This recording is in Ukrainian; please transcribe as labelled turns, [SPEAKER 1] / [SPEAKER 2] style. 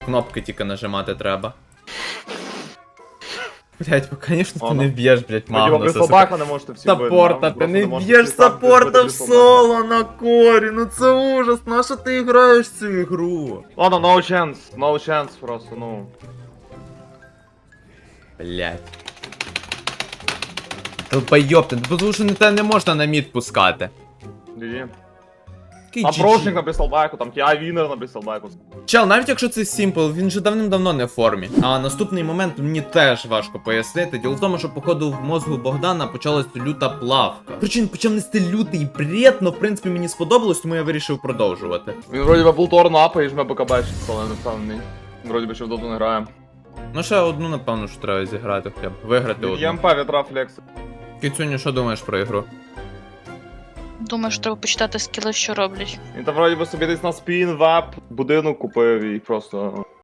[SPEAKER 1] Кнопки тільки нажимати треба. Блять, ну конечно ти не б'єш, блять, Магнуса.
[SPEAKER 2] собака не можете всі бити.
[SPEAKER 1] Саппорта, ти не б'єш саппорта в соло на корі, ну це ужас, на що ти граєш в цю ігру?
[SPEAKER 2] Ладно, no chance просто, ну.
[SPEAKER 1] Блять. Долбойоб ти, тому що те не можна на мід пускати.
[SPEAKER 2] GG.
[SPEAKER 1] Який
[SPEAKER 2] Там
[SPEAKER 1] GG?
[SPEAKER 2] прошник написав байку, там TI Вінер написав байку.
[SPEAKER 1] Чел, навіть якщо це Сімпл, він же давним-давно не в формі. А наступний момент мені теж важко пояснити. Діло в тому, що походу в мозгу Богдана почалась люта плавка. Причому почав нести лютий бред, но в принципі мені сподобалось, тому я вирішив продовжувати.
[SPEAKER 2] Він вроді би булторну апає і жме БКБ, але не впевнений. Він вроді би ще в доту не грає.
[SPEAKER 1] Ну ще одну, напевно, що треба зіграти хоча б. Виграти
[SPEAKER 2] Від
[SPEAKER 1] одну.
[SPEAKER 2] ЄМП вітра флекс.
[SPEAKER 1] Кіцюню, що думаєш про ігру?
[SPEAKER 3] Думаю, що треба почитати скіли, що роблять.
[SPEAKER 2] Він там вроді би собі десь на спін, веб, будинок купив і просто